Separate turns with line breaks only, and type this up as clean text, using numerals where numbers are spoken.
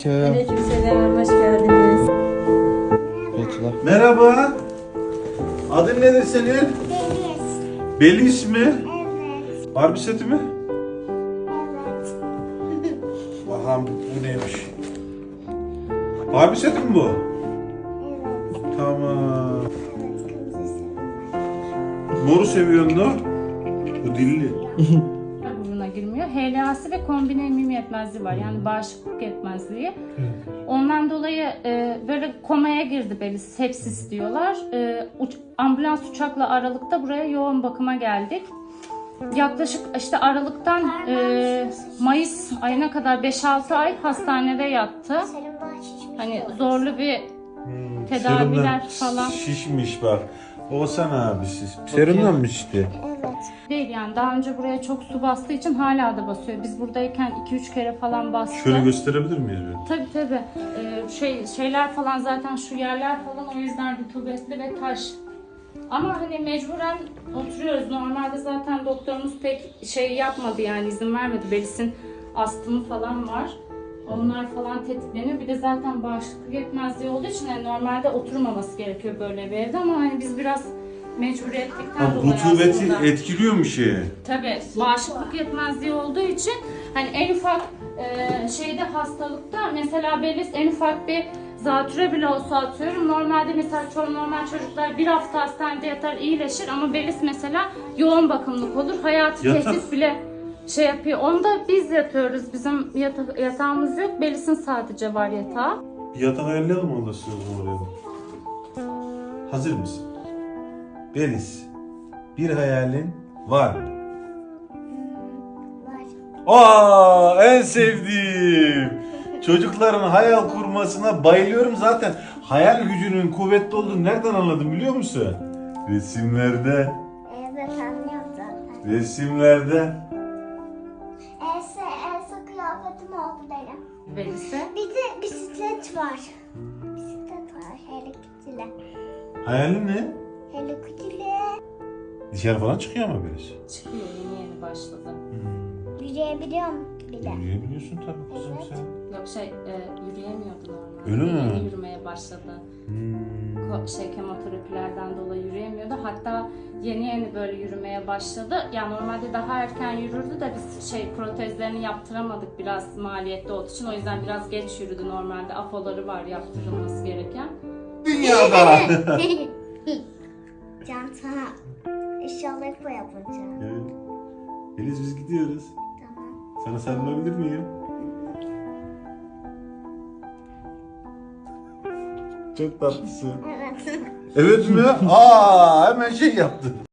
Aleykümselam, hoş geldiniz.
Merhaba. Adın nedir senin?
Deniz.
Beliz mi?
Evet.
Barbie seti mi?
Evet.
Bakalım bu neymiş? Barbie seti mi bu?
Evet.
Tamam.
Evet. Kırmızı seviyorum.
Moru seviyorsun da. Bu dilli.
Burnuna girmiyor. HLA'sı ve kombine immün yetmezliği var. Yani bağışıklık yetmezliği. Ondan dolayı böyle komaya girdi Beliz. Sepsis diyorlar. Ambulans uçakla Aralık'ta buraya yoğun bakıma geldik. Yaklaşık işte Aralık'tan Mayıs ayına kadar 5-6 ay hastanede yattı.
Senin bahçeci.
Hani zorlu bir tedaviler falan.
Şişmiş bak. Oğuzhan abisi. Serumdan mı içti?
Evet.
Değil yani daha önce buraya çok su bastığı için hala da basıyor. Biz buradayken 2-3 kere falan bastı.
Şöyle gösterebilir miyiz bir?
Tabii. Şeyler falan zaten şu yerler falan o yüzden rutubetli ve taş. Ama hani mecburen oturuyoruz. Normalde zaten doktorumuz pek şey yapmadı yani izin vermedi. Belis'in astımı falan var. Onlar falan tetikleniyor. Bir de zaten bağışıklık yetmezliği olduğu için yani normalde oturmaması gerekiyor böyle bir evde ama hani biz biraz mecburiyetlikten dolayı
Rutubeti
aslında.
etkiliyor mu şeyi?
Tabii bağışıklık yetmezliği olduğu için hani en ufak şeyde hastalıkta mesela Belis en ufak bir zatüre bile olsa atıyorum. Normalde mesela normal çocuklar bir hafta hastanede yatar iyileşir ama Belis mesela yoğun bakımlık olur. Hayati
Yatak.
tehdit bile şey yapıyor. Onda biz yatıyoruz. Bizim yatağımız yok. Belis'in sadece var yatağı.
Bir yatak ayarlayalım mı onda sözüm oraya? Hazır mısın? Beliz. Bir hayalin var mı?
Var.
En sevdiğim. Çocukların hayal kurmasına bayılıyorum zaten. Hayal gücünün kuvvetli olduğunu nereden anladım biliyor musun? Resimlerde.
Evet, anlıyorum zaten.
Resimlerde.
Elsa kıyafetim oldu benim.
Belis'e.
Bir de bisiklet var. Bisiklet var. Hello Kitty'le.
Hayalin ne?
Hello Kitty'le.
Dışarı falan çıkıyor mu Beliz?
Çıkıyor yeni başladı.
Yürüyebiliyorum bir de.
Yürüyebiliyorsun tabii kızım
Evet.
sen.
Yok yürüyemiyordu normalde.
Öyle mi?
Yeni yürümeye başladı. Kemoterapilerden dolayı yürüyemiyordu. Hatta yeni böyle yürümeye başladı. Yani normalde daha erken yürürdü de biz protezlerini yaptıramadık biraz maliyetli olduğu için. O yüzden biraz geç yürüdü normalde. Apoları var yaptırılması gereken.
Dünyada.
Can sana inşallah bu yapacağım.
Evet. Beliz biz gidiyoruz.
Tamam.
Sana sarılabilir miyim? Çok tatlısın.
Evet.
Evet mi? Hemen şey yaptı.